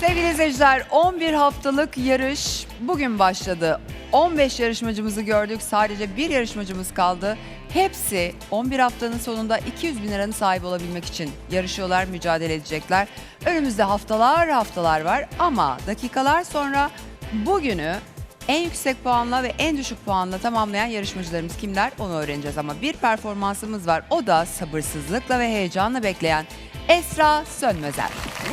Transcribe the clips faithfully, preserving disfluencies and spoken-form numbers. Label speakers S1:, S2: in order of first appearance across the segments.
S1: Sevgili izleyiciler, on bir haftalık yarış bugün başladı. on beş yarışmacımızı gördük. Sadece bir yarışmacımız kaldı. Hepsi on bir haftanın sonunda iki yüz bin liranın sahibi olabilmek için yarışıyorlar, mücadele edecekler. Önümüzde haftalar haftalar var ama dakikalar sonra bugünü en yüksek puanla ve en düşük puanla tamamlayan yarışmacılarımız kimler onu öğreneceğiz. Ama bir performansımız var. O da sabırsızlıkla ve heyecanla bekleyen Esra Sönmezer.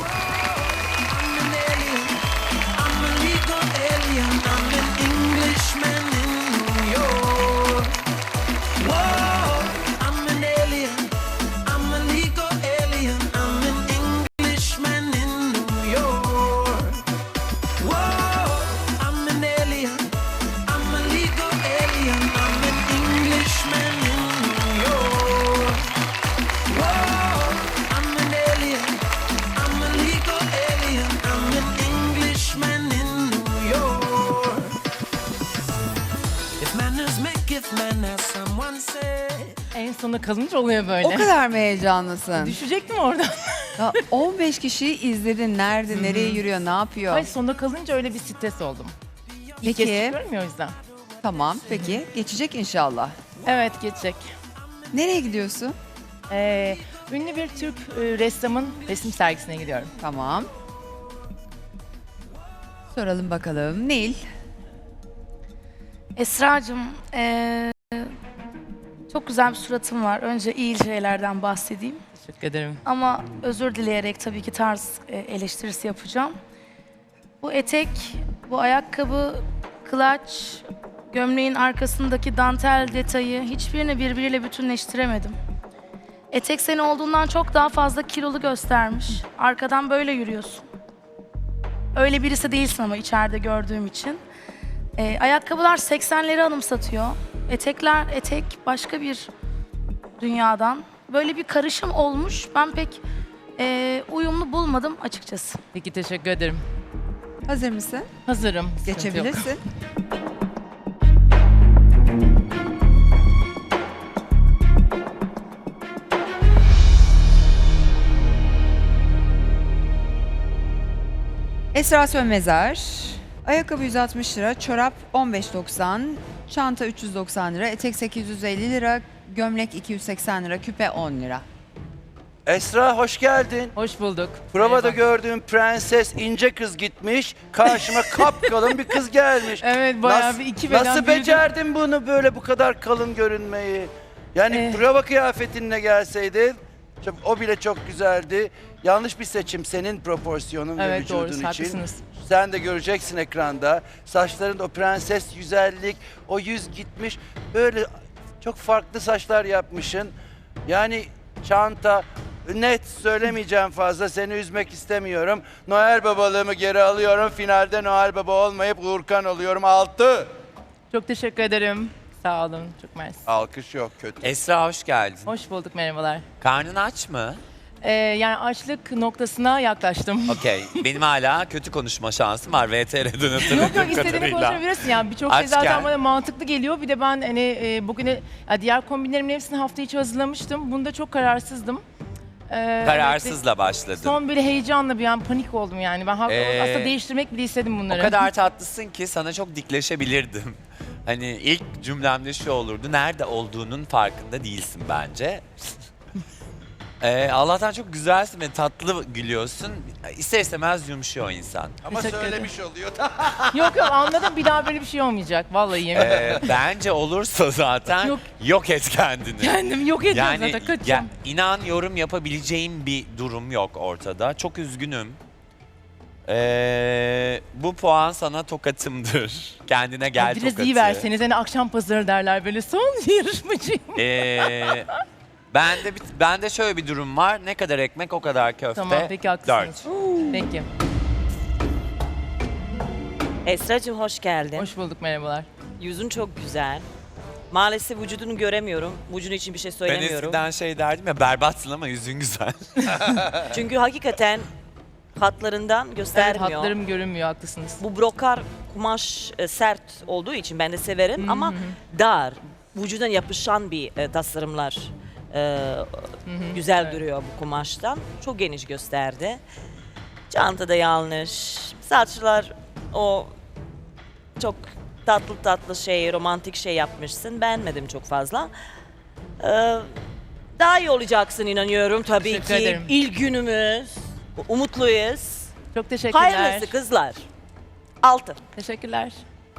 S2: En sona kalınca oluyor böyle.
S1: O kadar mı heyecanlısın?
S2: Düşecektim oradan.
S1: Ya on beş kişiyi izledin. Nerede, nereye yürüyor, ne yapıyor?
S2: Hayır, sonda kalınca öyle bir stres oldum. İlk
S1: Peki.
S2: kez çıkıyorum ya o yüzden.
S1: Tamam, peki. Geçecek inşallah.
S2: Evet, geçecek.
S1: Nereye gidiyorsun?
S2: Ee, ünlü bir Türk e, ressamın resim sergisine gidiyorum.
S1: Tamam. Soralım bakalım. Nil.
S3: Esra'cığım, eee, çok güzel bir suratın var. Önce iyi şeylerden bahsedeyim.
S2: Teşekkür ederim.
S3: Ama özür dileyerek tabii ki tarz e, eleştirisi yapacağım. Bu etek, bu ayakkabı, kılaç, gömleğin arkasındaki dantel detayı hiçbirini birbiriyle bütünleştiremedim. Etek seni olduğundan çok daha fazla kilolu göstermiş. Arkadan böyle yürüyorsun. Öyle birisi değilsin ama içeride gördüğüm için. Ee, ayakkabılar seksenleri anımsatıyor. Etekler, etek başka bir dünyadan. Böyle bir karışım olmuş. Ben pek e, uyumlu bulmadım açıkçası.
S2: Peki, teşekkür ederim.
S1: Hazır mısın?
S2: Hazırım. sıkıntı yok.
S1: Geçebilirsin. Esra Sönmezer. Ayakkabı yüz altmış lira, çorap on beş doksan, çanta üç yüz doksan lira, etek sekiz yüz elli lira, gömlek iki yüz seksen lira, küpe on lira.
S4: Esra hoş geldin.
S2: Hoş bulduk.
S4: Provada
S2: Merhaba.
S4: gördüğüm prenses ince kız gitmiş. Karşıma kapkalın bir kız gelmiş.
S2: Evet, bayağı
S4: Nasıl-
S2: bir iki beden
S4: Nasıl
S2: büyüdüm.
S4: becerdin bunu böyle bu kadar kalın görünmeyi? Yani
S2: Eh.
S4: prova kıyafetinle gelseydin çok- o bile çok güzeldi. Yanlış bir seçim senin proporsiyonun ve
S2: Evet,
S4: vücudun
S2: doğru,
S4: için.
S2: haklısınız.
S4: Sen de göreceksin ekranda. Saçların o prenses güzellik, o yüz gitmiş. Böyle çok farklı saçlar yapmışsın. Yani çanta, net söylemeyeceğim fazla, seni üzmek istemiyorum. Noel babalığımı geri alıyorum. Finalde Noel baba olmayıp Uğurkan oluyorum. Altı.
S2: Çok teşekkür ederim. Sağ olun. Çok mersi.
S4: Alkış yok, kötü.
S5: Esra hoş geldin.
S2: Hoş bulduk, merhabalar.
S5: Karnın aç mı?
S2: Ee, yani açlık noktasına yaklaştım.
S5: Okey. Benim hala kötü konuşma şansım var V T R'den hatırladığım
S2: Yok yok, istediğini
S5: kadarıyla.
S2: konuşabilirsin. Yani birçok şey zaten
S5: Açken.
S2: bana mantıklı geliyor. Bir de ben hani e, bugüne ya diğer kombinlerimin hepsini hafta içi hazırlamıştım. Bunda çok kararsızdım. Ee,
S5: Kararsızla başladın.
S2: Son böyle heyecanla bir an panik oldum yani. Ben haklı-
S5: Ee,
S2: aslında değiştirmek bile istedim
S5: O
S2: bunları.
S5: kadar tatlısın ki sana çok dikleşebilirdim. Hani ilk cümlemde şu olurdu. Nerede olduğunun farkında değilsin bence. Ee, Allah'tan çok güzelsin ve tatlı gülüyorsun. İster istemez yumuşuyor insan.
S4: Ama
S2: Teşekkür
S4: söylemiş oluyor.
S2: Yok yok, anladım, bir daha böyle bir şey olmayacak. Vallahi yemin ederim.
S5: Ee, bence olursa zaten
S2: Yok.
S5: yok et kendini.
S2: Kendim yok ediyorum
S5: Yani
S2: zaten, kaçacağım.
S5: ya, inan yorum yapabileceğim bir durum yok ortada. Çok üzgünüm. Ee, bu puan sana tokatımdır. Kendine gel
S2: Biraz
S5: tokatı.
S2: iyi verseniz, hani akşam pazarı derler böyle, son yarışmacıyım.
S5: Ee, bende, bir- bende şöyle bir durum var. Ne kadar ekmek o kadar köfte.
S2: Tamam, peki, haklısınız.
S5: Dört.
S2: Peki,
S6: Esra'cığım hoş geldin.
S2: hoş bulduk, merhabalar.
S6: Yüzün çok güzel. Maalesef vücudunu göremiyorum. Vücudun için bir şey
S5: Ben
S6: söylemiyorum.
S5: eskiden şey derdim ya, berbatsın ama yüzün güzel.
S6: Çünkü hakikaten hatlarından
S2: Evet,
S6: göstermiyor.
S2: hatlarım görünmüyor, haklısınız.
S6: Bu brokar kumaş e, sert olduğu için ben de severim ama dar, vücudan yapışan bir e, tasarımlar e, güzel
S2: evet.
S6: duruyor bu kumaştan. Çok geniş gösterdi. Çanta da yanlış. Saçlar o çok tatlı tatlı şey, romantik şey yapmışsın. Beğenmedim çok fazla. Ee, daha iyi olacaksın inanıyorum tabii
S2: Teşekkür
S6: ki.
S2: ederim.
S6: İlk günümüz. Umutluyuz.
S2: Çok teşekkürler.
S6: Hayırlısı kızlar. Altı.
S2: Teşekkürler.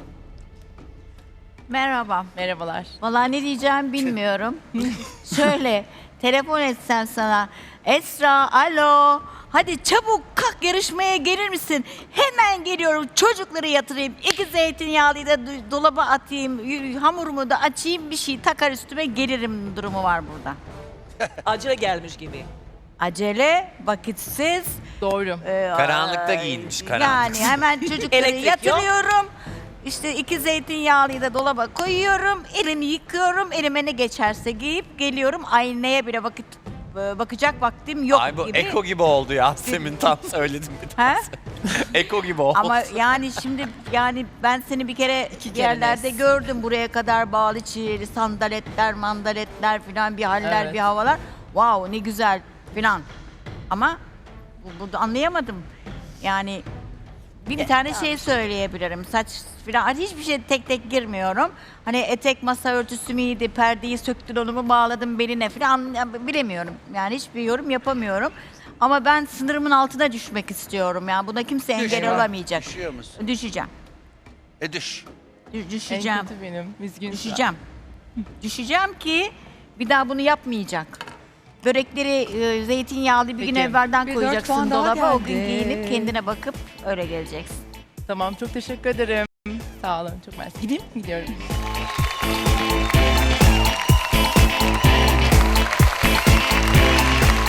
S7: Merhaba.
S2: Merhabalar.
S7: Vallahi ne diyeceğimi bilmiyorum. Şöyle telefon etsem sana. Esra, alo. Hadi çabuk kalk yarışmaya gelir misin? Hemen geliyorum. Çocukları yatırayım. İki zeytinyağlıyı da do- dolaba atayım. y- Hamurumu da açayım. Bir şey takar üstüme gelirim durumu var burada.
S6: Acele gelmiş gibi.
S7: Acele, vakitsiz.
S2: Doğru.
S7: e,
S5: Karanlıkta
S7: e,
S5: giyinmiş, karanlık.
S7: Yani hemen çocukları
S6: Elektrik yok.
S7: yatırıyorum. İşte iki zeytinyağlıyı da dolaba koyuyorum. Elimi yıkıyorum. Elime ne geçerse giyip geliyorum. Aynaya bile vakit e, bakacak vaktim yok
S5: Ay bu
S7: gibi.
S5: Eko gibi oldu Yasemin, tam söyledim bir
S7: He?
S5: Eko gibi oldu.
S7: Ama yani şimdi yani ben seni bir kere
S2: İki
S7: bir
S2: kere
S7: yerlerde
S2: nes.
S7: gördüm, buraya kadar bağlı çiğli sandaletler, mandaletler filan, bir haller,
S2: Evet.
S7: bir havalar. Wow, ne güzel filan. Ama bu- burada anlayamadım. Yani bir tane şey söyleyebilirim. Saç filan hiçbir şey tek tek girmiyorum. Hani etek masa örtüsü müydü, perdeyi söktün onu mu bağladım beline filan bilemiyorum. Yani hiçbir yorum yapamıyorum. Ama ben sınırımın altına düşmek istiyorum. Yani buna kimse engel
S4: Düşme.
S7: olamayacak.
S4: Düşüyor musun?
S7: Düşeceğim.
S4: E düş.
S7: Dü-
S2: En
S7: Düşeceğim.
S2: kötü benim. Üzgün.
S7: Düşeceğim. Düşeceğim ki bir daha bunu yapmayacak. Börekleri e, zeytinyağlı bir gün
S2: Peki.
S7: evvelden
S1: Bir dört
S7: koyacaksın
S1: puan daha
S7: dolaba. O gün
S1: geldi.
S7: giyinip kendine bakıp öyle geleceksin.
S2: Tamam, çok teşekkür ederim. Sağ olun, çok mersi. Gideyim mi? Gidiyorum.